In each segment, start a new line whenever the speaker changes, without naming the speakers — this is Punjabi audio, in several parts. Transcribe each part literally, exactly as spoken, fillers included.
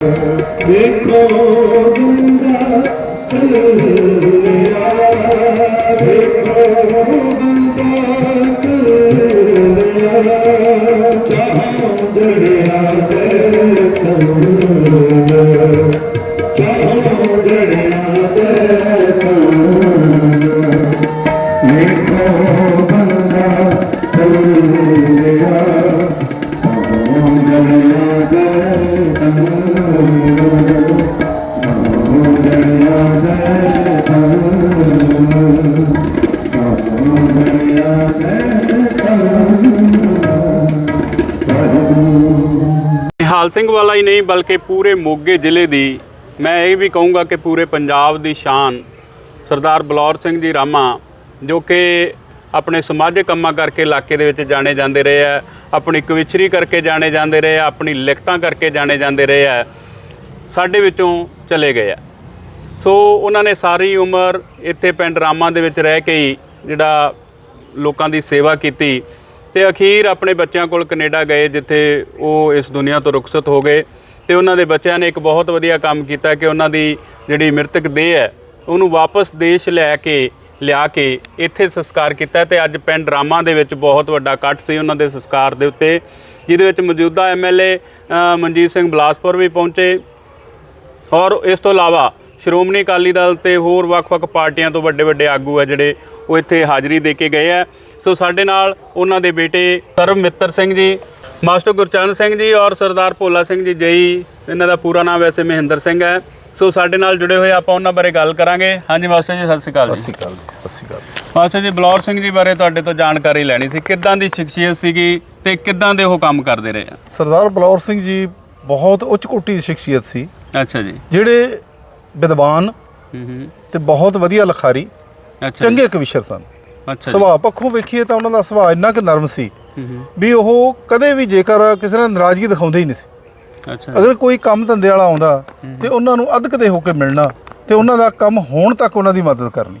देखो बंदा चल गया, देखो बंदा चल गया, चाहों दरिया दे करूँगा, चाहों दरिया दे करूँगा, देखो बंदा चल गया, चाहों दरिया दे
ਨਿਹਾਲ ਸਿੰਘ ਵਾਲਾ ਹੀ नहीं बल्कि पूरे मोगे ਜ਼ਿਲ੍ਹੇ ਦੀ मैं ये भी कहूँगा कि पूरे पंजाब ਦੀ शान सरदार बलौर ਸਿੰਘ जी रामा जो कि अपने समाजिक ਕੰਮਾਂ ਕਰਕੇ ਇਲਾਕੇ ਦੇ ਵਿੱਚ ਜਾਣੇ ਜਾਂਦੇ ਰਹੇ ਆ, ਆਪਣੀ ਕਵਿਚਰੀ ਕਰਕੇ ਜਾਣੇ ਜਾਂਦੇ ਰਹੇ ਆ, ਆਪਣੀ ਲਿਖਤਾਂ ਕਰਕੇ ਜਾਣੇ ਜਾਂਦੇ ਰਹੇ ਆ, ਸਾਡੇ ਵਿੱਚੋਂ ਚਲੇ ਗਏ ਆ। ਸੋ ਉਹਨਾਂ ਨੇ ਸਾਰੀ ਉਮਰ ਇੱਥੇ ਪਿੰਡ ਰਾਮਾ ਦੇ ਵਿੱਚ ਰਹਿ ਕੇ ਹੀ ਜਿਹੜਾ ਲੋਕਾਂ ਦੀ ਸੇਵਾ ਕੀਤੀ ਤੇ ਅਖੀਰ ਆਪਣੇ ਬੱਚਿਆਂ ਕੋਲ ਕੈਨੇਡਾ ਗਏ, ਜਿੱਥੇ ਉਹ ਇਸ ਦੁਨੀਆ ਤੋਂ ਰੁਖਸਤ ਹੋ ਗਏ। ਤੇ ਉਹਨਾਂ ਦੇ ਬੱਚਿਆਂ ਨੇ ਇੱਕ ਬਹੁਤ ਵਧੀਆ ਕੰਮ ਕੀਤਾ ਕਿ ਉਹਨਾਂ ਦੀ ਜਿਹੜੀ ਮ੍ਰਿਤਕ ਦੇਹ ਹੈ ਉਹਨੂੰ ਵਾਪਸ ਦੇਸ਼ ਲੈ ਕੇ ਲਿਆ ਕੇ ਇੱਥੇ ਸੰਸਕਾਰ ਕੀਤਾ। ਤੇ ਅੱਜ ਪਿੰਡ ਰਾਮਾ ਦੇ ਵਿੱਚ ਬਹੁਤ ਵੱਡਾ ਇਕੱਠ ਸੀ ਉਹਨਾਂ ਦੇ ਸੰਸਕਾਰ ਦੇ ਉੱਤੇ, ਜਿਹਦੇ ਵਿੱਚ ਮੌਜੂਦਾ M L A Manjit Singh Balaspur ਵੀ ਪਹੁੰਚੇ ਔਰ ਇਸ ਤੋਂ ਇਲਾਵਾ ਸ਼੍ਰੋਮਣੀ ਅਕਾਲੀ ਦਲ ਤੇ ਹੋਰ ਵੱਖ-ਵੱਖ ਪਾਰਟੀਆਂ ਤੋਂ ਵੱਡੇ ਵੱਡੇ ਆਗੂ ਆ ਜਿਹੜੇ ਉਹ ਇੱਥੇ ਹਾਜ਼ਰੀ ਦੇ ਕੇ ਗਏ ਆ। ਸੋ ਸਾਡੇ ਨਾਲ ਉਹਨਾਂ ਦੇ ਬੇਟੇ ਸਰਵ ਮਿੱਤਰ ਸਿੰਘ ਜੀ, ਮਾਸਟਰ ਗੁਰਚਰਨ ਸਿੰਘ ਜੀ ਔਰ ਸਰਦਾਰ ਭੋਲਾ ਸਿੰਘ ਜੀ ਜਈ, ਇਹਨਾਂ ਦਾ ਪੂਰਾ ਨਾਮ ਵੈਸੇ ਮਹਿੰਦਰ ਸਿੰਘ ਹੈ। ਸੋ ਸਾਡੇ ਨਾਲ ਜੁੜੇ ਹੋਏ ਆਪਾਂ ਉਹਨਾਂ ਬਾਰੇ ਗੱਲ ਕਰਾਂਗੇ। ਹਾਂਜੀ ਮਾਸਟਰ ਜੀ, ਸਤਿ ਸ਼੍ਰੀ ਅਕਾਲ ਜੀ।
ਸਤਿ ਸ਼੍ਰੀ ਅਕਾਲ ਜੀ। ਸਤਿ ਸ਼੍ਰੀ ਅਕਾਲ
ਮਾਸਟਰ ਜੀ, ਬਲੌਰ ਸਿੰਘ ਜੀ ਬਾਰੇ ਤੁਹਾਡੇ ਤੋਂ ਜਾਣਕਾਰੀ ਲੈਣੀ ਸੀ। ਕਿੱਦਾਂ ਦੀ ਸ਼ਖਸੀਅਤ ਸੀਗੀ ਤੇ ਕਿੱਦਾਂ ਦੇ ਉਹ ਕੰਮ ਕਰਦੇ ਰਹੇ ਆ?
ਸਰਦਾਰ ਬਲੌਰ ਸਿੰਘ ਜੀ ਬਹੁਤ ਉੱਚ ਕੋਟੀ ਦੀ ਸ਼ਖਸੀਅਤ ਸੀ।
ਅੱਛਾ ਜੀ।
ਜਿਹੜੇ ਵਿਦਵਾਨ
ਹੂੰ ਹੂੰ
ਤੇ ਬਹੁਤ ਵਧੀਆ ਲਿਖਾਰੀ,
ਅੱਛਾ
ਚੰਗੇ ਕਵਿਸ਼ਰ ਸਨ।
ਅੱਛਾ
ਸੁਭਾਅ ਪੱਖੋਂ ਵੇਖੀਏ ਤਾਂ ਉਹਨਾਂ ਦਾ ਸੁਭਾਅ ਇੰਨਾ ਕਿ ਨਰਮ ਸੀ ਵੀ ਉਹ ਕਦੇ ਵੀ ਜੇਕਰ ਕਿਸੇ ਨਾਲ ਨਾਰਾਜ਼ਗੀ ਦਿਖਾਉਂਦੇ ਹੀ ਨਹੀਂ ਸੀ।
ਅੱਛਾ।
ਅਗਰ ਕੋਈ ਕੰਮ ਧੰਦੇ ਵਾਲਾ ਆਉਂਦਾ ਤੇ ਉਹਨਾਂ ਨੂੰ ਅਧਕਦੇ ਹੋ ਕੇ ਮਿਲਣਾ ਤੇ ਉਹਨਾਂ ਦਾ ਕੰਮ ਹੋਣ ਤੱਕ ਉਹਨਾਂ ਦੀ ਮਦਦ ਕਰਨੀ।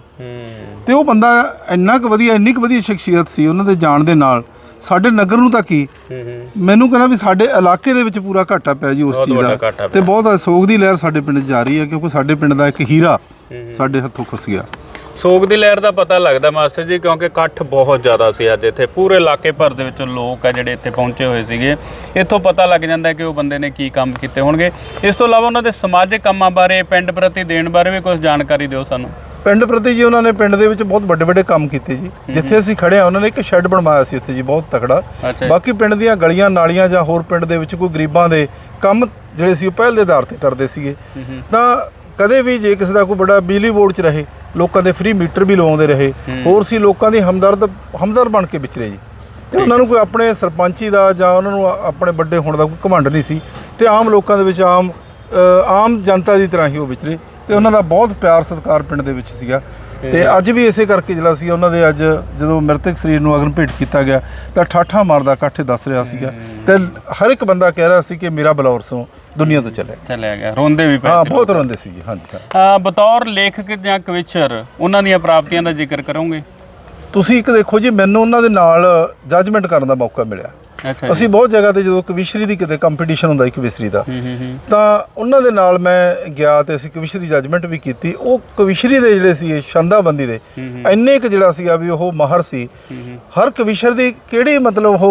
ਤੇ ਉਹ ਬੰਦਾ ਇੰਨਾ ਕੁ ਵਧੀਆ, ਇੰਨੀ ਕੁ ਵਧੀਆ ਸ਼ਖਸੀਅਤ ਸੀ ਉਹਨਾਂ ਦੇ ਜਾਣ ਦੇ ਨਾਲ ਸਾਡੇ ਨਗਰ ਨੂੰ ਤਾਂ ਕੀ, ਮੈਨੂੰ ਕਹਿੰਦਾ ਵੀ ਸਾਡੇ ਇਲਾਕੇ ਦੇ ਵਿੱਚ ਪੂਰਾ ਘਾਟਾ ਪਿਆ ਜੀ ਉਸ ਚੀਜ਼ ਦਾ। ਤੇ ਬਹੁਤ ਸੋਗ ਦੀ ਲਹਿਰ ਸਾਡੇ ਪਿੰਡ 'ਚ ਜਾ ਰਹੀ ਹੈ ਕਿਉਂਕਿ ਸਾਡੇ ਪਿੰਡ ਦਾ ਇੱਕ ਹੀਰਾ ਸਾਡੇ ਹੱਥੋਂ ਖੁੱਸ ਗਿਆ।
ਸੋਗ ਦੀ ਲਹਿਰ ਦਾ ਪਤਾ ਲੱਗਦਾ ਮਾਸਟਰ ਜੀ ਕਿਉਂਕਿ ਇਕੱਠ ਬਹੁਤ ਜ਼ਿਆਦਾ ਸੀ ਅੱਜ ਇੱਥੇ। ਪੂਰੇ ਇਲਾਕੇ ਭਰ ਦੇ ਵਿੱਚੋਂ ਲੋਕ ਆ ਜਿਹੜੇ ਇੱਥੇ ਪਹੁੰਚੇ ਹੋਏ ਸੀਗੇ। ਇੱਥੋਂ ਪਤਾ ਲੱਗ ਜਾਂਦਾ ਕਿ ਉਹ ਬੰਦੇ ਨੇ ਕੀ ਕੰਮ ਕੀਤੇ ਹੋਣਗੇ। ਇਸ ਤੋਂ ਇਲਾਵਾ ਉਹਨਾਂ ਦੇ ਸਮਾਜਿਕ ਕੰਮਾਂ ਬਾਰੇ, ਪਿੰਡ ਪ੍ਰਤੀ ਦੇਣ ਬਾਰੇ ਵੀ ਕੁਝ ਜਾਣਕਾਰੀ ਦਿਓ ਸਾਨੂੰ।
ਪਿੰਡ ਪ੍ਰਤੀ ਜੀ ਉਹਨਾਂ ਨੇ ਪਿੰਡ ਦੇ ਵਿੱਚ ਬਹੁਤ ਵੱਡੇ ਵੱਡੇ ਕੰਮ ਕੀਤੇ ਜੀ। ਜਿੱਥੇ ਅਸੀਂ ਖੜੇ ਆ ਉਹਨਾਂ ਨੇ ਇੱਕ ਸ਼ੈੱਡ ਬਣਵਾਇਆ ਸੀ ਇੱਥੇ ਜੀ, ਬਹੁਤ ਤਕੜਾ। ਬਾਕੀ ਪਿੰਡ ਦੀਆਂ ਗਲੀਆਂ ਨਾਲੀਆਂ ਜਾਂ ਹੋਰ ਪਿੰਡ ਦੇ ਵਿੱਚ ਕੋਈ ਗਰੀਬਾਂ ਦੇ ਕੰਮ ਜਿਹੜੇ ਸੀ ਉਹ ਪਹਿਲ ਦੇ ਆਧਾਰ ਤੇ ਕਰਦੇ ਸੀਗੇ। ਤਾਂ ਕਦੇ ਵੀ ਜੇ ਕਿਸੇ ਦਾ ਕੋਈ ਬੜਾ ਬਿਜਲੀ ਬੋਰਡ 'ਚ ਰਹੇ, ਲੋਕਾਂ ਦੇ ਫ੍ਰੀ ਮੀਟਰ ਵੀ ਲਵਾਉਂਦੇ ਰਹੇ, ਹੋਰ ਸੀ ਲੋਕਾਂ ਦੀ ਹਮਦਰਦ ਹਮਦਰ ਬਣ ਕੇ ਵਿਚਰੇ ਜੀ। ਤੇ ਉਹਨਾਂ ਨੂੰ ਕੋਈ ਆਪਣੇ ਸਰਪੰਚੀ ਦਾ ਜਾਂ ਉਹਨਾਂ ਨੂੰ ਆਪਣੇ ਵੱਡੇ ਹੋਣ ਦਾ ਕੋਈ ਘਮੰਡ ਨਹੀਂ ਸੀ ਤੇ ਆਮ ਲੋਕਾਂ ਦੇ ਵਿੱਚ ਆਮ ਆਮ ਜਨਤਾ ਦੀ ਤਰ੍ਹਾਂ ਹੀ ਉਹ ਵਿਚਰੇ ਤੇ ਉਹਨਾਂ ਦਾ ਬਹੁਤ ਪਿਆਰ ਸਤਿਕਾਰ ਪਿੰਡ ਦੇ ਵਿੱਚ ਸੀਗਾ। ਤੇ ਅੱਜ ਵੀ ਇਸੇ ਕਰਕੇ ਜਿਹੜਾ ਸੀ ਉਹਨਾਂ ਦੇ ਅੱਜ ਜਦੋਂ ਮ੍ਰਿਤਕ ਸਰੀਰ ਨੂੰ ਅਗਨ ਭੇਟ ਕੀਤਾ ਗਿਆ ਤਾਂ ਠਾਠਾ ਮਾਰਦਾ ਇਕੱਠ ਦੱਸ ਰਿਹਾ ਸੀਗਾ ਤੇ ਹਰ ਇੱਕ ਬੰਦਾ ਕਹਿ ਰਿਹਾ ਸੀ ਕਿ ਮੇਰਾ ਬਲੌਰ ਸਿੰਘ ਦੁਨੀਆ ਤੋਂ ਚਲਿਆ
ਚਲਿਆ ਗਿਆ। ਰੋਂਦੇ ਵੀ ਪਏ,
ਹਾਂ ਬਹੁਤ ਰੋਂਦੇ ਸੀਗੇ। ਹਾਂਜੀ
ਹਾਂ। ਬਤੌਰ ਲੇਖਕ ਜਾਂ ਕਵਿਚਰ ਉਹਨਾਂ ਦੀਆਂ ਪ੍ਰਾਪਤੀਆਂ ਦਾ ਜ਼ਿਕਰ ਕਰੋਗੇ?
ਤੁਸੀਂ ਇੱਕ ਦੇਖੋ ਜੀ, ਮੈਨੂੰ ਉਹਨਾਂ ਦੇ ਨਾਲ ਜੱਜਮੈਂਟ ਕਰਨ ਦਾ ਮੌਕਾ ਮਿਲਿਆ। ਅਸੀਂ ਬਹੁਤ ਜਗ੍ਹਾ ਤੇ ਜਦੋਂ ਕਵਿਸ਼ਰੀ ਦੀ ਕਿਤੇ ਕੰਪੀਟੀਸ਼ਨ ਹੁੰਦਾ ਸੀ ਕਵਿਸ਼ਰੀ ਦਾ, ਤਾਂ ਉਹਨਾਂ ਦੇ ਨਾਲ ਮੈਂ ਗਿਆ ਤੇ ਅਸੀਂ ਕਵਿਸ਼ਰੀ ਜੱਜਮੈਂਟ ਵੀ ਕੀਤੀ। ਉਹ ਕਵਿਸ਼ਰੀ ਦੇ ਜਿਹੜੇ ਸੀ ਛੰਦਾਬੰਦੀ ਦੇ ਇੰਨੇ ਕੁ ਜਿਹੜਾ ਸੀਗਾ ਵੀ ਉਹ ਮਾਹਰ ਸੀ। ਹਰ ਕਵਿਸ਼ਰ ਦੀ ਕਿਹੜੀ ਮਤਲਬ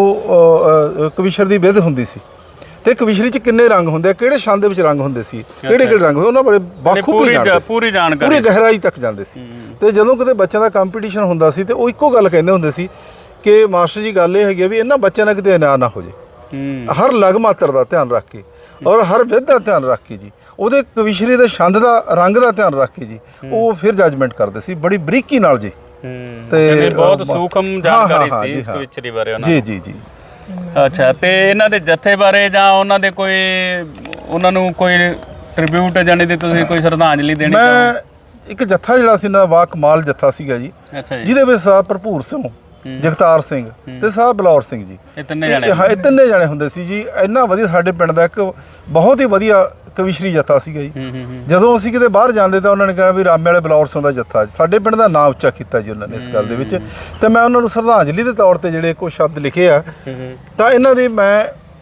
ਉਹ ਕਵਿਸ਼ਰ ਦੀ ਵਿਧ ਹੁੰਦੀ ਸੀ ਤੇ ਕਵਿਸ਼ਰੀ 'ਚ ਕਿੰਨੇ ਰੰਗ ਹੁੰਦੇ ਆ, ਕਿਹੜੇ ਛੰਦ ਦੇ ਵਿੱਚ ਰੰਗ ਹੁੰਦੇ ਸੀ, ਕਿਹੜੇ ਕਿਹੜੇ ਰੰਗ ਹੁੰਦੇ, ਉਹਨਾਂ ਬੜੇ ਬਾਖੂਬੀ ਜਾਣਦੇ ਸੀ,
ਪੂਰੀ ਜਾਣਕਾਰੀ,
ਪੂਰੀ ਗਹਿਰਾਈ ਤੱਕ ਜਾਂਦੇ ਸੀ। ਤੇ ਜਦੋਂ ਕਿਤੇ ਬੱਚਿਆਂ ਦਾ ਕੰਪੀਟੀਸ਼ਨ ਹੁੰਦਾ ਸੀ ਤੇ ਉਹ ਇੱਕੋ ਗੱਲ ਕਹਿੰਦੇ ਹੁੰਦੇ ਸੀ ਕਿ ਮਾਸਟਰ ਜੀ ਗੱਲ ਇਹ ਹੈਗੀ ਵੀ ਇਹਨਾਂ ਬੱਚਿਆਂ ਨਾਲ ਕਿਤੇ ਅਨਿਆਂ ਨਾ ਹੋ ਜੇ। ਹਰ ਲਗ ਮਾਤਰ ਦਾ ਧਿਆਨ ਰੱਖ ਕੇ ਔਰ ਹਰ ਵਿਧ ਦਾ ਧਿਆਨ ਰੱਖ ਕੇ ਜੀ, ਉਹਦੇ ਕਵਿਸ਼ਰੀ ਦੇ ਛੰਦ ਦਾ ਰੰਗ ਦਾ ਧਿਆਨ ਰੱਖ ਕੇ ਜੀ ਉਹ ਫਿਰ ਜੱਜਮੈਂਟ ਕਰਦੇ ਸੀ ਬੜੀ ਬਰੀਕੀ ਨਾਲ ਜੀ।
ਤੇ ਬਹੁਤ ਸੂਖਮ ਜਾਣਕਾਰੀ ਸੀ ਕਵਿਸ਼ਰੀ ਬਾਰੇ ਉਹਨਾਂ
ਜੀ ਜੀ ਜੀ।
ਅੱਛਾ। ਤੇ ਇਹਨਾਂ ਦੇ ਜੱਥੇ ਬਾਰੇ ਜਾਂ ਉਹਨਾਂ ਦੇ ਕੋਈ ਉਹਨਾਂ ਨੂੰ ਕੋਈ ਟ੍ਰਿਬਿਊਟ ਜਾਨੀ ਦੀ ਤੁਸੀਂ ਕੋਈ ਸ਼ਰਧਾਂਜਲੀ ਦੇਣੀ?
ਮੈਂ ਇੱਕ ਜੱਥਾ ਜਿਹੜਾ ਸੀ ਨਾ ਵਾ ਕਮਾਲ ਜੱਥਾ ਸੀਗਾ ਜੀ, ਜਿਹਦੇ ਵਿੱਚ ਸਾਹਿਬ ਭਰਪੂਰ ਸਿੰਘ, ਜਗਤਾਰ ਸਿੰਘ ਤੇ ਸਾਹਿਬ ਬਲੌਰ ਸਿੰਘ ਜੀ, ਇਹ ਤਿੰਨੇ ਜਾਣੇ ਹਾਂ ਇਹ ਤਿੰਨੇ ਜਾਣੇ ਹੁੰਦੇ ਸੀ ਜੀ। ਇੰਨਾ ਵਧੀਆ ਸਾਡੇ ਪਿੰਡ ਦਾ ਇੱਕ ਬਹੁਤ ਹੀ ਵਧੀਆ ਕਵਿਸ਼ਰੀ ਜੱਥਾ ਸੀਗਾ ਜੀ। ਜਦੋਂ ਅਸੀਂ ਕਿਤੇ ਬਾਹਰ ਜਾਂਦੇ ਤਾਂ ਉਹਨਾਂ ਨੇ ਕਿਹਾ ਵੀ ਰਾਮੇ ਵਾਲੇ ਬਲੌਰ ਸਿੰਘ ਦਾ ਜੱਥਾ, ਸਾਡੇ ਪਿੰਡ ਦਾ ਨਾਮ ਉੱਚਾ ਕੀਤਾ ਜੀ ਉਹਨਾਂ ਨੇ ਇਸ ਗੱਲ ਦੇ ਵਿੱਚ। ਤੇ ਮੈਂ ਉਹਨਾਂ ਨੂੰ ਸ਼ਰਧਾਂਜਲੀ ਦੇ ਤੌਰ ਤੇ ਜਿਹੜੇ ਕੁਝ ਸ਼ਬਦ ਲਿਖੇ ਆ ਤਾਂ ਇਹਨਾਂ ਦੀ ਮੈਂ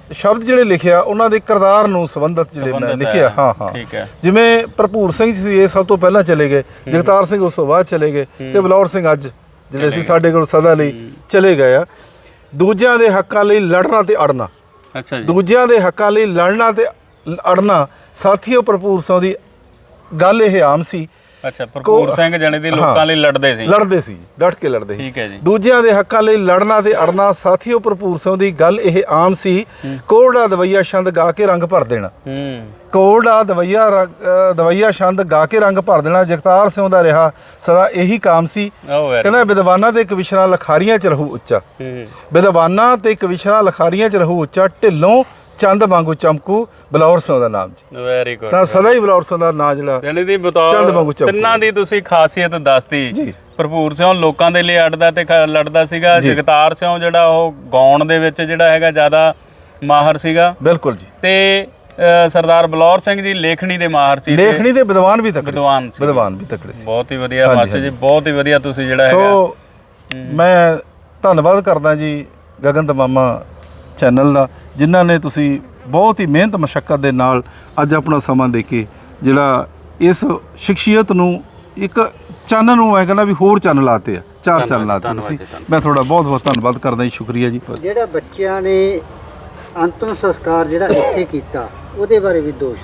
ਸ਼ਬਦ ਜਿਹੜੇ ਲਿਖਿਆ ਉਹਨਾਂ ਦੇ ਕਿਰਦਾਰ ਨੂੰ ਸੰਬੰਧਿਤ ਜਿਹੜੇ ਮੈਂ
ਸੰਬੰਧਿਤ
ਲਿਖਿਆ
ਹੈ।
ਹਾਂ ਹਾਂ
ਠੀਕ ਹੈ।
ਜਿਵੇਂ ਭਰਪੂਰ ਸਿੰਘ ਸੀ ਇਹ ਸਭ ਤੋਂ ਪਹਿਲਾਂ ਚਲੇ ਗਏ, ਜਗਤਾਰ ਸਿੰਘ ਉਸ ਤੋਂ ਬਾਅਦ ਚਲੇ ਗਏ ਤੇ ਬਲੌਰ ਸਿੰਘ ਅੱਜ ਜਿਹੜੇ ਸੀ ਸਾਡੇ ਕੋਲ ਸਦਾ ਲਈ ਚਲੇ ਗਏ ਆ। ਦੂਜਿਆਂ ਦੇ ਹੱਕਾਂ ਲਈ ਲੜਨਾ ਤੇ ਅੜਨਾ,
ਅੱਛਾ ਜੀ।
ਦੂਜਿਆਂ ਦੇ ਹੱਕਾਂ ਲਈ ਲੜਨਾ ਤੇ ਅੜਨਾ ਸਾਥੀਓ ਭਰਪੂਰ ਸਿੰਘ ਦੀ ਗੱਲ ਇਹ ਆਮ ਸੀ।
ਅੱਛਾ, ਭਰਪੂਰ ਸਿੰਘ ਜਾਣੀ ਦੀ ਲੋਕਾਂ ਲਈ ਲੜਦੇ ਸੀ
ਲੜਦੇ ਸੀ ਡਟ ਕੇ ਲੜਦੇ ਸੀ।
ਠੀਕ ਹੈ ਜੀ।
ਦੂਜਿਆਂ ਦੇ ਹੱਕਾਂ ਲਈ ਲੜਨਾ ਤੇ ਅੜਨਾ ਸਾਥੀਓ ਭਰਪੂਰ ਸਿੰਘ ਦੀ ਗੱਲ ਇਹ ਆਮ ਸੀ। ਕੋੜਾ ਦਵਈਆ ਛੰਦ ਗਾ ਕੇ ਰੰਗ ਭਰ ਦੇਣਾ,
ਹੂੰ
ਕੋੜਾ ਦਵਈਆ ਅ, ਦਵਈਆ ਛੰਦ ਗਾ ਕੇ ਰੰਗ ਭਰ ਦੇਣਾ ਜਗਤਾਰ ਸਿੰਘ ਦਾ ਰਿਹਾ ਸਦਾ ਇਹੀ ਕਾਮ ਸੀ।
ਉਹ ਵੈਰੀ
ਕਹਿੰਦਾ ਵਿਦਵਾਨਾਂ ਤੇ ਕਵਿਸ਼ਰਾਂ ਲਖਾਰੀਆਂ ਚ ਰਹੂ ਉੱਚਾ,
ਹੂੰ
ਵਿਦਵਾਨਾਂ ਤੇ ਕਵਿਸ਼ਰਾਂ ਲਖਾਰੀਆਂ ਚ ਰਹੂ ਉੱਚਾ, ਢਿੱਲੋਂ ਚੰਦ ਵਾਂਗੂ ਚਮਕੂ ਬਲੌਰ ਸਿੰਘ ਦਾ ਨਾਮ ਜੀ।
Very good.
ਤਾਂ ਸਦਾ ਹੀ ਬਲੌਰ ਸਿੰਘ ਦਾ ਨਾਂ ਜਿਹੜਾ
ਜਾਣੀ ਦੀ
ਚੰਦ ਵਾਂਗੂ
ਬਤੌਰ
ਚਮਕੂ।
ਤਿੰਨਾਂ ਦੀ ਤੁਸੀਂ ਖਾਸੀਅਤ ਦੱਸਤੀ
ਜੀ।
ਭਰਪੂਰ ਸਿੰਘ ਲੋਕਾਂ ਦੇ ਲਈ ਅੜਦਾ ਤੇ ਖ- ਲੜਦਾ ਸੀਗਾ।
ਜੀ।
ਜਗਤਾਰ ਸਿੰਘ ਜਿਹੜਾ ਉਹ ਗਾਉਣ ਦੇ ਵਿੱਚ ਜਿਹੜਾ ਹੈਗਾ ਜ਼ਿਆਦਾ ਮਾਹਰ ਸੀਗਾ
ਬਿਲਕੁਲ ਜੀ।
ਤੇ ਅ, ਸਰਦਾਰ ਬਲੌਰ ਸਿੰਘ ਜੀ ਲੇਖਣੀ ਦੇ ਮਾਹਰ ਸੀ ਤੇ
ਲੇਖਣੀ ਦੇ ਵਿਦਵਾਨ ਵੀ ਤਕੜੇ ਸੀ।
ਵਿਦਵਾਨ ਸੀ।
ਵਿਦਵਾਨ ਵੀ ਤਕੜੇ ਸੀ।
ਬਹੁਤ ਹੀ ਵਧੀਆ
ਹਾਂਜੀ,
ਮਾਸਟਰ ਜੀ, ਬਹੁਤ ਹੀ ਵਧੀਆ ਤੁਸੀਂ ਜਿਹੜਾ ਹੈਗਾ
ਸੋ ਮੈਂ ਧੰਨਵਾਦ ਕਰਦਾ ਜੀ ਗਗਨ ਤਮਾਮਾ ਚੈਨਲ ਦਾ, ਜਿਨ੍ਹਾਂ ਨੇ ਤੁਸੀਂ ਬਹੁਤ ਹੀ ਮਿਹਨਤ ਮਸ਼ੱਕਤ ਦੇ ਨਾਲ ਅੱਜ ਆਪਣਾ ਸਮਾਂ ਦੇ ਕੇ ਜਿਹੜਾ ਇਸ ਸ਼ਖਸੀਅਤ ਨੂੰ ਇੱਕ ਚੰਨ ਨੂੰ ਮੈਂ ਕਹਿੰਦਾ ਵੀ ਹੋਰ ਚੰਨ ਲਾਤੇ ਆ, ਚਾਰ ਚੰਨ ਲਾਤੇ
ਧੰਨਵਾਦ
ਤੁਸੀਂ।
ਜੀ, ਧੰਨਵਾਦ।
ਮੈਂ ਤੁਹਾਡਾ ਬਹੁਤ ਬਹੁਤ ਧੰਨਵਾਦ ਕਰਦਾ ਜੀ, ਸ਼ੁਕਰੀਆ ਜੀ।
ਜਿਹੜਾ ਬੱਚਿਆਂ ਨੇ ਅੰਤਮ ਸੰਸਕਾਰ ਜਿਹੜਾ ਇੱਥੇ ਕੀਤਾ ਉਹਦੇ ਬਾਰੇ ਵੀ ਦੋਸ਼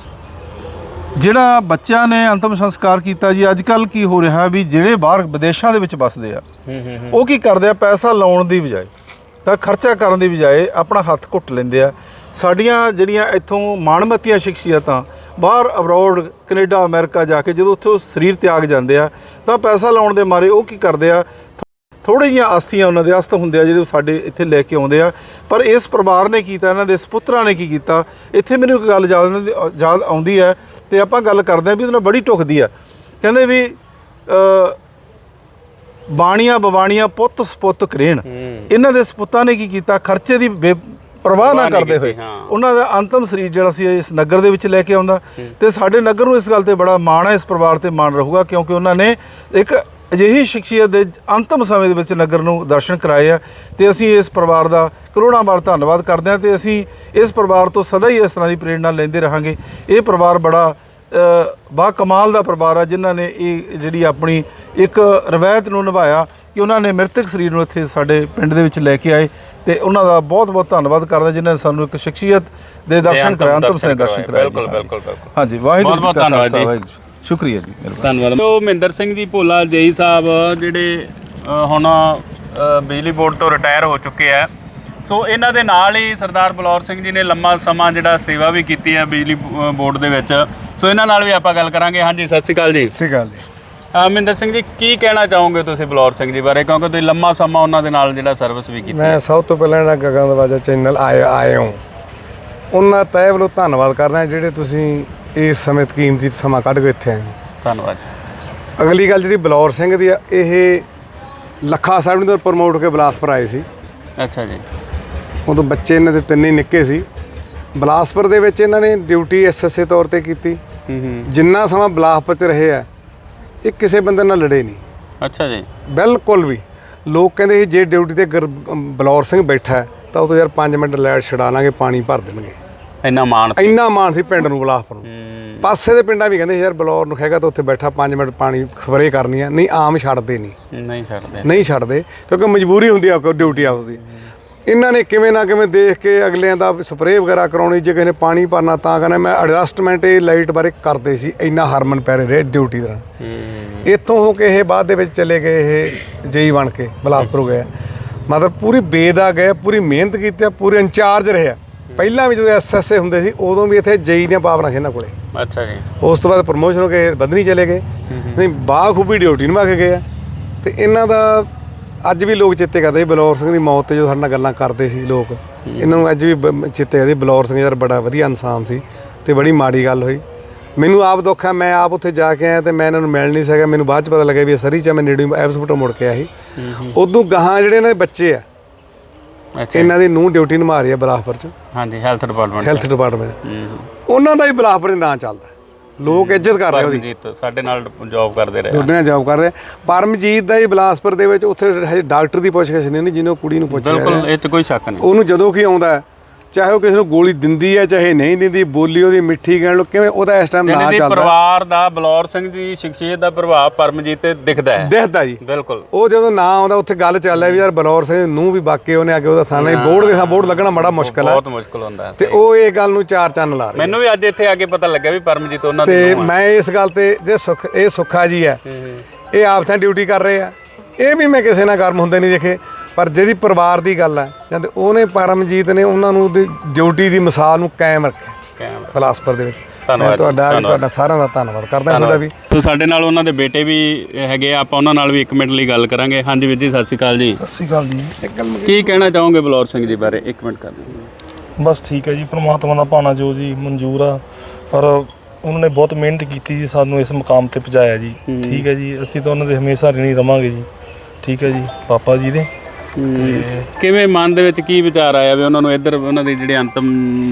ਜਿਹੜਾ ਬੱਚਿਆਂ ਨੇ ਅੰਤਮ ਸੰਸਕਾਰ ਕੀਤਾ ਜੀ, ਅੱਜ ਕੱਲ ਕੀ ਹੋ ਰਿਹਾ ਵੀ ਜਿਹੜੇ ਬਾਹਰ ਵਿਦੇਸ਼ਾਂ ਦੇ ਵਿੱਚ ਵੱਸਦੇ ਆ
ਹੂੰ ਹੂੰ
ਉਹ ਕੀ ਕਰਦੇ ਆ, ਪੈਸਾ ਲਾਉਣ ਦੀ ਬਜਾਏ ਤਾਂ ਖਰਚਾ ਕਰਨ ਦੀ ਬਜਾਏ ਆਪਣਾ ਹੱਥ ਘੁੱਟ ਲੈਂਦੇ ਆ। ਸਾਡੀਆਂ ਜਿਹੜੀਆਂ ਇੱਥੋਂ ਮਾਣਮੱਤੀਆਂ ਸ਼ਖਸੀਅਤਾਂ ਬਾਹਰ ਅਬਰੋਡ ਕੈਨੇਡਾ ਅਮਰੀਕਾ ਜਾ ਕੇ ਜਦੋਂ ਉੱਥੇ ਉਹ ਸਰੀਰ ਤਿਆਗ ਜਾਂਦੇ ਆ ਤਾਂ ਪੈਸਾ ਲਾਉਣ ਦੇ ਮਾਰੇ ਉਹ ਕੀ ਕਰਦੇ ਆ, ਥੋੜ੍ਹੀਆਂ ਜਿਹੀਆਂ ਆਸਥੀਆਂ ਉਹਨਾਂ ਦੇ ਅਸਤ ਹੁੰਦੇ ਆ ਜਿਹੜੇ ਉਹ ਸਾਡੇ ਇੱਥੇ ਲੈ ਕੇ ਆਉਂਦੇ ਆ। ਪਰ ਇਸ ਪਰਿਵਾਰ ਨੇ ਕੀਤਾ, ਇਹਨਾਂ ਦੇ ਸਪੁੱਤਰਾਂ ਨੇ ਕੀ ਕੀਤਾ, ਇੱਥੇ ਮੈਨੂੰ ਇੱਕ ਗੱਲ ਯਾਦ ਉਹਨਾਂ ਦੀ ਯਾਦ ਆਉਂਦੀ ਹੈ ਤੇ ਆਪਾਂ ਗੱਲ ਕਰਦੇ ਆ ਵੀ ਉਹਦੇ ਨਾਲ ਬੜੀ ਟੁਕਦੀ ਆ। ਕਹਿੰਦੇ ਵੀ ਅ, ਬਾਣੀਆਂ ਬਵਾਣੀਆਂ ਪੁੱਤ ਸਪੁੱਤ ਕਰੇਣ। ਇਹਨਾਂ ਦੇ ਸਪੁੱਤਾਂ ਨੇ ਕੀ ਕੀਤਾ, ਖਰਚੇ ਦੀ ਬੇ ਪਰਵਾਹ ਨਾ ਕਰਦੇ ਹੋਏ ਉਹਨਾਂ ਦਾ ਅੰਤਮ ਸਰੀਰ ਜਿਹੜਾ ਸੀ ਇਸ ਨਗਰ ਦੇ ਵਿੱਚ ਲੈ ਕੇ ਆਉਂਦਾ। ਤੇ ਸਾਡੇ ਨਗਰ ਨੂੰ ਇਸ ਗੱਲ ਤੇ ਬੜਾ ਮਾਣ ਹੈ, ਇਸ ਪਰਿਵਾਰ ਤੇ ਮਾਣ ਰਹੂਗਾ ਕਿਉਂਕਿ ਉਹਨਾਂ ਨੇ ਇੱਕ ਅਜਿਹੀ ਸ਼ਖਸੀਅਤ ਦੇ ਅੰਤਮ ਸਮੇਂ ਦੇ ਵਿੱਚ ਨਗਰ ਨੂੰ ਦਰਸ਼ਨ ਕਰਾਏ ਆ। ਤੇ ਅਸੀਂ ਇਸ ਪਰਿਵਾਰ ਦਾ ਕਰੋੜਾਂ ਵਾਰ ਧੰਨਵਾਦ ਕਰਦੇ ਹਾਂ ਤੇ ਅਸੀਂ ਇਸ ਪਰਿਵਾਰ ਤੋਂ ਸਦਾ ਹੀ ਇਸ ਤਰ੍ਹਾਂ ਦੀ ਪ੍ਰੇਰਣਾ ਲੈਂਦੇ ਰਹਾਂਗੇ। ਇਹ ਪਰਿਵਾਰ ਬੜਾ ਬਾ ਕਮਾਲ ਦਾ ਪਰਿਵਾਰ ਆ, ਜਿਨ੍ਹਾਂ ਨੇ ਇਹ ਜਿਹੜੀ ਆਪਣੀ ਇੱਕ ਰਵਾਇਤ ਨੂੰ ਨਿਭਾਇਆ ਕਿ ਉਹਨਾਂ ਨੇ ਮ੍ਰਿਤਕ ਸਰੀਰ ਨੂੰ ਇੱਥੇ ਸਾਡੇ ਪਿੰਡ ਦੇ ਵਿੱਚ ਲੈ ਕੇ ਆਏ ਤੇ ਉਹਨਾਂ ਦਾ ਬਹੁਤ ਬਹੁਤ ਧੰਨਵਾਦ ਕਰਦਾ ਜਿਨ੍ਹਾਂ ਨੇ ਸਾਨੂੰ ਇੱਕ ਸ਼ਖਸੀਅਤ ਦੇ ਦਰਸ਼ਨ ਕਰਾਏ, ਅੰਤਮ ਸੇ ਦਰਸ਼ਨ ਕਰਾਏ।
ਬਿਲਕੁਲ ਬਿਲਕੁਲ ਬਿਲਕੁਲ।
ਹਾਂਜੀ, ਵਾਹਿਗੁਰੂ
ਬਹੁਤ ਬਹੁਤ
ਜੀ ਕਾ
ਧੰਨਵਾਦ
ਖਾਲਸਾ,
ਜੀ।
ਵਾਹਿਗੁਰੂ ਜੀ। ਸ਼ੁਕਰੀਆ ਜੀ, ਮਿਹਰਬਾਨੀ।
ਧੰਨਵਾਦ। ਉਹ ਮਹਿੰਦਰ ਸਿੰਘ ਜੀ ਭੋਲਾ ਜੇਈ ਸਾਹਿਬ ਜਿਹੜੇ ਅ, ਹੁਣ ਅ, ਬਿਜਲੀ ਬੋਰਡ ਤੋਂ ਰਿਟਾਇਰ ਹੋ ਚੁੱਕੇ ਆ। ਸੋ ਇਹਨਾਂ ਦੇ ਨਾਲ ਹੀ ਸਰਦਾਰ ਬਲੌਰ ਸਿੰਘ ਜੀ ਨੇ ਲੰਮਾ ਸਮਾਂ ਜਿਹੜਾ ਸੇਵਾ ਵੀ ਕੀਤੀ ਹੈ ਬਿਜਲੀ ਬ- ਬੋਰਡ ਦੇ ਵਿੱਚ। ਸੋ ਇਹਨਾਂ ਨਾਲ ਵੀ ਆਪਾਂ ਗੱਲ ਕਰਾਂਗੇ। ਹਾਂਜੀ, ਸਤਿ ਸ਼੍ਰੀ ਅਕਾਲ ਜੀ।
ਸਤਿ ਸ਼੍ਰੀ ਅਕਾਲ ਜੀ।
ਅ, ਮਹਿੰਦਰ ਸਿੰਘ ਜੀ, ਕੀ ਕਹਿਣਾ ਚਾਹੋਗੇ ਤੁਸੀਂ ਬਲੌਰ ਸਿੰਘ ਜੀ ਬਾਰੇ, ਕਿਉਂਕਿ ਤੁਸੀਂ ਲੰਮਾ ਸਮਾਂ ਉਹਨਾਂ ਦੇ ਨਾਲ ਜਿਹੜਾ ਸਰਵਿਸ ਵੀ ਕੀਤੀ।
ਮੈਂ ਸਭ ਤੋਂ ਪਹਿਲਾਂ ਜਿਹੜਾ ਗਗਨ ਦਰਵਾਜ਼ਾ ਚੈਨਲ ਆਏ ਆਏ ਹੋ ਉਹਨਾਂ ਤਹਿ ਵੱਲੋਂ ਧੰਨਵਾਦ ਕਰਦਾ ਜਿਹੜੇ ਤੁਸੀਂ ਇਸ ਸਮੇਂ ਕੀਮਤੀ ਸਮਾਂ ਕੱਢ ਕੇ ਇੱਥੇ ਆਏ ਹੋ।
ਧੰਨਵਾਦ ਜੀ।
ਅਗਲੀ ਗੱਲ ਜਿਹੜੀ ਬਲੌਰ ਸਿੰਘ ਦੀ ਆ, ਇਹ ਲੱਖਾ ਸਾਹਿਬ ਨੂੰ ਪ੍ਰਮੋਟ ਕੇ ਬਿਲਾਸਪੁਰ ਆਏ ਸੀ।
ਅੱਛਾ ਜੀ।
ਉਦੋਂ ਬੱਚੇ ਇਹਨਾਂ ਦੇ ਤਿੰਨੇ ਨਿੱਕੇ ਸੀ। ਬਿਲਾਸਪੁਰ ਦੇ ਵਿੱਚ ਇਹਨਾਂ ਨੇ ਡਿਊਟੀ ਐਸਐਸਏ ਤੌਰ ਤੇ ਕੀਤੀ।
ਹੂੰ ਹੂੰ।
ਜਿੰਨਾ ਸਮਾਂ ਬਿਲਾਸਪੁਰ 'ਚ ਰਹੇ ਆ ਇਹ ਕਿਸੇ ਬੰਦੇ ਨਾਲ ਲੜੇ ਨਹੀਂ,
ਅੱਛਾ ਜੀ।
ਬਿਲਕੁਲ ਵੀ। ਲੋਕ ਕਹਿੰਦੇ ਸੀ ਜੇ ਡਿਊਟੀ ਤੇ ਗੁਰ- ਬਲੌਰ ਸਿੰਘ ਬੈਠਾ ਹੈ ਤਾਂ ਉਹ ਤੋਂ ਯਾਰ ਪੰਜ ਮਿੰਟ ਲਾਈਟ ਛਡਾ ਲਾਂਗੇ, ਪਾਣੀ ਭਰ ਦੇਣਗੇ।
ਇੰਨਾ ਮਾਣ ਸੀ।
ਇੰਨਾ ਮਾਣ ਸੀ ਪਿੰਡ ਨੂੰ, ਬਿਲਾਸਪੁਰ ਨੂੰ।
ਹੂੰ।
ਪਾਸੇ ਦੇ ਪਿੰਡਾਂ ਵੀ ਕਹਿੰਦੇ ਯਾਰ ਬਲੌਰ ਨੂੰ ਹੈਗਾ ਤਾਂ ਉੱਥੇ ਬੈਠਾ ਪੰਜ ਮਿੰਟ ਪਾਣੀ ਸਪਰੇਅ ਕਰਨੀ ਆ, ਨਹੀਂ ਆਮ ਛੱਡਦੇ ਨਹੀਂ
ਨਹੀਂ ਛੱਡਦੇ।
ਨਹੀਂ ਛੱਡਦੇ ਕਿਉਂਕਿ ਮਜਬੂਰੀ ਹੁੰਦੀ ਆ ਡਿਊਟੀ ਆਪਦੀ। ਇਹਨਾਂ ਨੇ ਕਿਵੇਂ ਨਾ ਕਿਵੇਂ ਦੇਖ ਕੇ ਅਗਲਿਆਂ ਦਾ ਸਪਰੇਅ ਵਗੈਰਾ ਕਰਾਉਣੀ, ਜੇ ਕਿਸੇ ਨੇ ਪਾਣੀ ਭਰਨਾ ਤਾਂ ਕਹਿੰਦਾ ਮੈਂ ਐਡਜਸਟਮੈਂਟ ਇਹ ਲਾਈਟ ਬਾਰੇ ਕਰਦੇ ਸੀ। ਇੰਨਾ ਹਰਮਨ ਪਿਆਰੇ ਰਹੇ ਡਿਊਟੀ ਦੌਰਾਨ।
ਹੂੰ।
ਇੱਥੋਂ ਹੋ ਕੇ ਇਹ ਬਾਅਦ ਦੇ ਵਿੱਚ ਚਲੇ ਗਏ, ਇਹ ਜੇਈ ਬਣ ਕੇ ਬਿਲਾਸਪੁਰ ਗਏ। ਮਤਲਬ ਪੂਰੀ ਬੇਦਾ ਗਏ, ਪੂਰੀ ਮਿਹਨਤ ਕੀਤੀ ਆ, ਪੂਰੇ ਇੰਚਾਰਜ ਰਹੇ ਆ। ਪਹਿਲਾਂ ਵੀ ਜਦੋਂ ਐਸਐਸਏ ਹੁੰਦੇ ਸੀ ਉਦੋਂ ਵੀ ਇੱਥੇ ਜੇਈ ਦੀਆਂ ਪਾਵਰਾਂ ਸੀ ਇਹਨਾਂ ਕੋਲੇ।
ਅੱਛਾ ਜੀ।
ਉਸ ਤੋਂ ਬਾਅਦ ਪ੍ਰਮੋਸ਼ਨ ਹੋ ਕੇ ਬਦਨੀ ਚਲੇ ਗਏ, ਨਹੀਂ ਬਾਖੂਬੀ ਡਿਊਟੀ ਨਿਭਾ ਕੇ ਗਏ ਆ। ਤੇ ਇਹਨਾਂ ਦਾ ਅੱਜ ਵੀ ਲੋਕ ਚੇਤੇ ਕਰਦੇ ਬਲੌਰ ਸਿੰਘ ਦੀ ਮੌਤ ਤੇ ਜਦੋਂ ਸਾਡੇ ਨਾਲ ਗੱਲਾਂ ਕਰਦੇ ਸੀ ਲੋਕ, ਇਹਨਾਂ ਨੂੰ ਅੱਜ ਵੀ ਬ- ਚੇਤੇ ਕਰਦੇ ਬਲੌਰ ਸਿੰਘ ਯਾਰ ਬੜਾ ਵਧੀਆ ਇਨਸਾਨ ਸੀ ਤੇ ਬੜੀ ਮਾੜੀ ਗੱਲ ਹੋਈ। ਮੈਨੂੰ ਆਪ ਦੁੱਖ ਹੈ, ਮੈਂ ਆਪ ਉੱਥੇ ਜਾ ਕੇ ਆਇਆ ਤੇ ਮੈਂ ਇਹਨਾਂ ਨੂੰ ਮਿਲ ਨਹੀਂ ਸਕਿਆ। ਮੈਨੂੰ ਬਾਅਦ 'ਚ ਪਤਾ ਲੱਗਿਆ ਵੀ ਇਹ ਸਰੀ 'ਚ ਮੈਂ ਨੇੜੇ ਐਬਸਪੋਰਟ ਮੁੜ ਕੇ ਆਇਆ ਸੀ। ਉਦੋਂ ਗਾਹਾਂ ਜਿਹੜੇ ਇਹਨਾਂ ਦੇ ਬੱਚੇ ਆ,
ਅੱਛਾ।
ਇਹਨਾਂ ਦੀ ਨੂੰਹ ਡਿਊਟੀ ਨਿਭਾ ਰਹੀ ਆ ਬਿਲਾਸਪੁਰ 'ਚ,
ਹਾਂਜੀ, ਹੈਲਥ ਡਿਪਾਰਟਮੈਂਟ।
Health department.
ਹੂੰ।
ਉਹਨਾਂ ਦਾ ਹੀ ਬਿਲਾਸਪੁਰ ਦੇ ਨਾਂ ਚੱਲਦਾ, ਲੋਕ ਇੱਜ਼ਤ ਕਰ ਰਹੇ ਉਹਦੀ।
ਪਰਮਜੀਤ ਸਾਡੇ ਨਾਲ ਜੌਬ ਕਰਦੇ ਰਹੇ।
ਦੋਨੇ ਜੌਬ ਕਰਦੇ। ਪਰਮਜੀਤ ਦਾ ਹੀ ਬਿਲਾਸਪੁਰ ਦੇ ਵਿੱਚ ਉੱਥੇ ਹਜੇ ਡਾਕਟਰ ਦੀ ਪੁੱਛਗਿੱਛ ਨਹੀਂ ਹੁੰਦੀ, ਜਿਹਨੂੰ ਕੁੜੀ ਨੂੰ ਪੁੱਛਿਆ
ਬਿਲਕੁਲ, ਇਹ 'ਚ ਕੋਈ ਸ਼ੱਕ ਨਹੀਂ।
ਉਹਨੂੰ ਜਦੋਂ ਕੀ ਆਉਂਦਾ ਚਾਹੇ ਉਹ ਕਿਸੇ ਨੂੰ ਗੋਲੀ ਦਿੰਦੀ ਹੈ ਚਾਹੇ ਨਹੀਂ ਦਿੰਦੀ, ਬੋਲੀ ਉਹਦੀ ਮਿੱਠੀ ਕਹਿਣ ਲੋ ਕਿਵੇਂ, ਉਹਦਾ ਇਸ ਟਾਈਮ ਨਾਂ ਚੱਲਦਾ।
ਪਰਿਵਾਰ ਦਾ ਬਲੌਰ ਸਿੰਘ ਦੀ ਸ਼ਖਸੀਅਤ ਦਾ ਪ੍ਰਭਾਵ ਪਰਮਜੀਤ ਤੇ ਦਿਖਦਾ ਹੈ,
ਦਿਖਦਾ ਜੀ
ਬਿਲਕੁਲ। ਉਹ
ਉਹ ਜਦੋਂ ਨਾਂ ਆਉਂਦਾ ਉੱਥੇ ਗੱਲ ਚੱਲ ਰਿਹਾ ਵੀ ਯਾਰ ਬਲੌਰ ਸਿੰਘ ਨੂੰ ਵੀ ਬਾਕੀ ਉਹਨੇ ਆ ਕੇ ਉਹਦਾ ਥਾਣਾ ਬੋਰਡ ਦੇ ਥਾਂ ਬੋਰਡ ਲੱਗਣਾ ਬੜਾ ਮੁਸ਼ਕਲ ਹੈ,
ਬਹੁਤ ਮੁਸ਼ਕਲ ਹੁੰਦਾ ਹੈ।
ਤੇ ਉਹ ਇਹ ਗੱਲ ਨੂੰ ਚਾਰ ਚੰਨ ਲਾ ਰਿਹਾ।
ਮੈਨੂੰ ਵੀ ਅੱਜ ਇੱਥੇ ਆ ਕੇ ਪਤਾ ਲੱਗਿਆ ਵੀ ਪਰਮਜੀਤ ਉਹਨਾਂ ਦੀ
ਤੇ
ਨੂੰਹ ਆ।
ਮੈਂ ਇਸ ਗੱਲ ਤੇ ਜੇ ਸੁੱਖ ਇਹ ਸੁੱਖਾ ਜੀ ਹੈ, ਇਹ ਆਪ ਤਾਂ ਡਿਊਟੀ ਕਰ ਰਹੇ ਆ, ਇਹ ਵੀ ਮੈਂ ਕਿਸੇ ਨਾਲ ਗਰਮ ਹੁੰਦੇ ਨਹੀਂ ਦੇਖੇ, ਪਰ ਜਿਹੜੀ ਪਰਿਵਾਰ ਦੀ ਗੱਲ ਹੈ ਜਦ ਉਹਨੇ ਪਰਮਜੀਤ ਨੇ ਉਹਨਾਂ ਨੂੰ ਉਹਦੀ ਡਿਊਟੀ ਦੀ ਮਿਸਾਲ ਨੂੰ ਕਾਇਮ ਰੱਖਿਆ
ਕਾਇਮ
ਫਲਾਸਪੁਰ ਦੇ ਵਿੱਚ।
ਧੰਨਵਾਦ
ਮੈਂ ਤੁਹਾਡਾ
ਧੰਨਵਾਦ।
ਤੁਹਾਡਾ ਸਾਰਿਆਂ ਦਾ ਧੰਨਵਾਦ ਕਰਦਾ ਤੁਹਾਡਾ ਵੀ।
ਤੋ ਸਾਡੇ ਨਾਲ ਉਹਨਾਂ ਦੇ ਬੇਟੇ ਵੀ ਹੈਗੇ ਆ, ਆਪਾਂ ਉਹਨਾਂ ਨਾਲ ਵੀ ਇੱਕ ਮਿੰਟ ਲਈ ਗੱਲ ਕਰਾਂਗੇ। ਹਾਂਜੀ ਵੀਰ ਜੀ, ਸਤਿ ਸ਼੍ਰੀ ਅਕਾਲ ਜੀ।
ਸਤਿ ਸ਼੍ਰੀ ਅਕਾਲ ਜੀ।
ਕੀ ਕਹਿਣਾ ਚਾਹੋਗੇ ਬਲੌਰ ਸਿੰਘ ਜੀ ਬਾਰੇ? ਇੱਕ ਮਿੰਟ ਕਰ ਦਿਓ।
ਬਸ ਠੀਕ ਹੈ ਜੀ, ਪ੍ਰਮਾਤਮਾ ਦਾ ਭਾਣਾ ਜੋ ਜੀ ਮਨਜ਼ੂਰ ਆ, ਪਰ ਉਹਨਾਂ ਨੇ ਬਹੁਤ ਮਿਹਨਤ ਕੀਤੀ ਜੀ, ਸਾਨੂੰ ਇਸ ਮੁਕਾਮ ਤੇ ਪਹੁੰਚਾਇਆ ਜੀ। ਠੀਕ ਹੈ ਜੀ, ਅਸੀਂ ਤਾਂ ਉਹਨਾਂ ਦੇ ਹਮੇਸ਼ਾ ਰਿਣੀ ਰਵਾਂਗੇ ਜੀ। ਠੀਕ ਹੈ ਜੀ, ਪਾਪਾ ਜੀ ਦੇ। ਤੇ
ਕਿਵੇਂ ਮਨ ਦੇ ਵਿੱਚ ਕੀ ਵਿਚਾਰ ਆਇਆ ਵੀ ਉਹਨਾਂ ਨੂੰ ਇੱਧਰ ਉਹਨਾਂ ਦੀ ਜਿਹੜੇ ਅੰਤਮ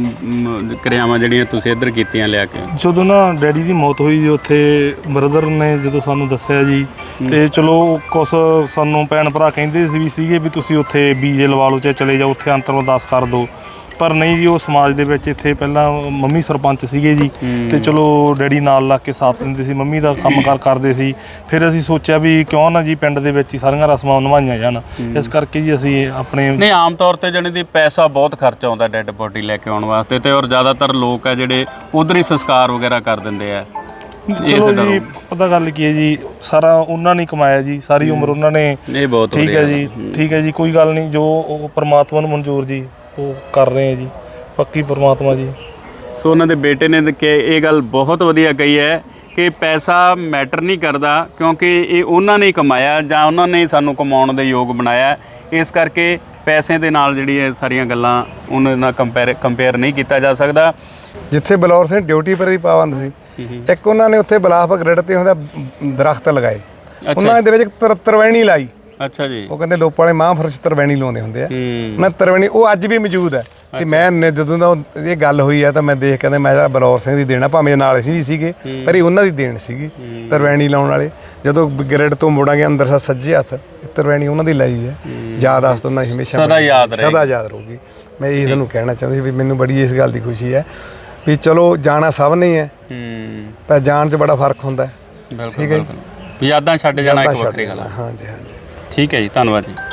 ਮ, ਕਿਰਿਆਵਾਂ ਜਿਹੜੀਆਂ ਤੁਸੀਂ ਇੱਧਰ ਕੀਤੀਆਂ ਲਿਆ ਕੇ?
ਜਦੋਂ ਨਾ ਡੈਡੀ ਦੀ ਮੌਤ ਹੋਈ ਜੀ, ਉੱਥੇ ਬ੍ਰਦਰ ਨੇ ਜਦੋਂ ਸਾਨੂੰ ਦੱਸਿਆ ਜੀ, ਤੇ ਚਲੋ ਕੁਛ ਸਾਨੂੰ ਭੈਣ ਭਰਾ ਕਹਿੰਦੇ ਸੀ ਵੀ ਸੀਗੇ ਵੀ ਤੁਸੀਂ ਉੱਥੇ ਬੀਜੇ ਲਵਾ ਲਓ, ਚਾਹੇ ਚਲੇ ਜਾਓ ਉੱਥੇ ਅੰਤਰ ਅਰਦਾਸ ਕਰ ਦਿਓ, ਪਰ ਨਹੀਂ ਜੀ, ਉਹ ਸਮਾਜ ਦੇ ਵਿੱਚ ਇੱਥੇ ਪਹਿਲਾਂ ਮੰਮੀ ਸਰਪੰਚ ਸੀਗੇ ਜੀ, ਤੇ ਚਲੋ ਡੈਡੀ ਨਾਲ ਲੱਗ ਕੇ ਸਾਥ ਦਿੰਦੇ ਸੀ, ਮੰਮੀ ਦਾ ਕੰਮਕਾਰ ਕਰਦੇ ਸੀ। ਫਿਰ ਅਸੀਂ ਸੋਚਿਆ ਵੀ ਕਿਉਂ ਨਾ ਜੀ ਪਿੰਡ ਦੇ ਵਿੱਚ ਹੀ ਸਾਰੀਆਂ ਰਸਮਾਂ ਨਿਭਾਈਆਂ ਜਾਣ, ਇਸ ਕਰਕੇ ਜੀ ਅਸੀਂ ਆਪਣੇ
ਨਹੀਂ, ਆਮ ਤੌਰ ਤੇ ਜਾਣੀ ਦੀ ਪੈਸਾ ਬਹੁਤ ਖਰਚ ਆਉਂਦਾ ਡੈੱਡ ਬੋਡੀ ਲੈ ਕੇ ਆਉਣ ਵਾਸਤੇ, ਤੇ ਔਰ ਜ਼ਿਆਦਾਤਰ ਲੋਕ ਆ ਜਿਹੜੇ ਉਧਰ ਹੀ ਸੰਸਕਾਰ ਵਗੈਰਾ ਕਰ ਦਿੰਦੇ ਆ।
ਚਲੋ ਜੀ, ਪਤਾ ਗੱਲ ਕੀ ਹੈ ਜੀ, ਸਾਰਾ ਉਹਨਾਂ ਨੇ ਕਮਾਇਆ ਜੀ, ਸਾਰੀ ਉਮਰ ਉਹਨਾਂ ਨੇ।
ਇਹ ਬਹੁਤ
ਠੀਕ ਹੈ ਜੀ, ਠੀਕ ਹੈ ਜੀ, ਕੋਈ ਗੱਲ ਨਹੀਂ, ਜੋ ਉਹ ਪ੍ਰਮਾਤਮਾ ਨੂੰ ਮਨਜ਼ੂਰ ਜੀ ਉਹ ਕਰ ਰਹੇ ਆ ਜੀ, ਪੱਕੀ ਪ੍ਰਮਾਤਮਾ ਜੀ।
ਸੋ ਉਹਨਾਂ ਦੇ ਬੇਟੇ ਨੇ ਕਿ ਇਹ ਗੱਲ ਬਹੁਤ ਵਧੀਆ ਕਹੀ ਹੈ ਕਿ ਪੈਸਾ ਮੈਟਰ ਨਹੀਂ ਕਰਦਾ, ਕਿਉਂਕਿ ਇਹ ਉਹਨਾਂ ਨੇ ਕਮਾਇਆ ਜਾਂ ਉਹਨਾਂ ਨੇ ਸਾਨੂੰ ਕਮਾਉਣ ਦੇ ਯੋਗ ਬਣਾਇਆ। ਇਸ ਕਰਕੇ ਪੈਸੇ ਦੇ ਨਾਲ ਜਿਹੜੀ ਇਹ ਸਾਰੀਆਂ ਗੱਲਾਂ ਉਹਨਾਂ ਨਾਲ ਕੰਪੇਅਰ ਕੰਪੇਅਰ ਨਹੀਂ ਕੀਤਾ ਜਾ ਸਕਦਾ।
ਜਿੱਥੇ ਬਲੌਰ ਸਿੰਘ ਡਿਊਟੀ ਪਰ ਹੀ ਪਾਬੰਦ ਸੀ, ਇੱਕ ਉਹਨਾਂ ਨੇ ਉੱਥੇ ਬਲਾਫ ਗ੍ਰਿਡ ਤੇ ਹੁੰਦਾ ਦਰਖਤ ਲਗਾਏ, ਉਹਨਾਂ ਦੇ ਵਿੱਚ ਤਰ ਤਰਵੈਣੀ ਲਾਈ।
ਅੱਛਾ ਜੀ।
ਉਹ ਕਹਿੰਦੇ ਲੋਪ ਵਾਲੇ ਮਹਾਂਪੁਰਸ਼ ਤਰਵੈਣੀ ਲਾਉਂਦੇ ਹੁੰਦੇ ਆ, ਉਹਨਾਂ ਤਰਵੈਣੀ ਉਹ ਅੱਜ ਵੀ ਮੌਜੂਦ ਹੈ। ਤੇ ਮੈਂ ਨੇ ਜਦੋਂ ਦਾ ਇਹ ਗੱਲ ਹੋਈ ਆ ਤਾਂ ਮੈਂ ਦੇਖ ਕਹਿੰਦੇ ਮੈਂ ਜਿਹੜਾ ਬਲੌਰ ਸਿੰਘ ਦੀ ਦੇਣਾ, ਭਾਵੇਂ ਨਾਲ ਅਸੀਂ ਵੀ ਸੀਗੇ, ਪਰ ਇਹ ਉਹਨਾਂ ਦੀ ਦੇਣ ਸੀਗੀ ਤਰਵੈਣੀ ਲਾਉਣ ਵਾਲੇ। ਜਦੋਂ ਗ੍ਰਿਡ ਤੋਂ ਮੁੜਾਂਗੇ ਅੰਦਰ ਸਾ ਸੱਜੇ ਹੱਥ ਤਰਵੈਣੀ ਉਹਨਾਂ ਦੀ ਲਾਈ ਹੈ, ਯਾਦ ਆਸਤ ਉਹਨਾਂ ਦੀ ਹਮੇਸ਼ਾ
ਸਦਾ ਯਾਦ ਰਹੇਗੀ,
ਸਦਾ ਯਾਦ ਰਹੂਗੀ। ਮੈਂ ਇਹ ਤੁਹਾਨੂੰ ਕਹਿਣਾ ਚਾਹੁੰਦਾ ਸੀ ਵੀ ਮੈਨੂੰ ਬੜੀ ਇਸ ਗੱਲ ਦੀ ਖੁਸ਼ੀ ਹੈ ਵੀ ਚਲੋ ਜਾਣਾ ਸਭ ਨੇ ਹੈ, ਪਰ ਜਾਣ 'ਚ ਬੜਾ ਫਰਕ ਹੁੰਦਾ ਹੈ।
ਠੀਕ ਹੈ, ਯਾਦਾਂ ਛੱਡ ਜਾਣਾ ਇੱਕ ਵੱਖਰੀ ਗੱਲ ਹੈ।
ਹਾਂਜੀ ਹਾਂਜੀ,
ਠੀਕ ਹੈ ਜੀ, ਧੰਨਵਾਦ ਜੀ।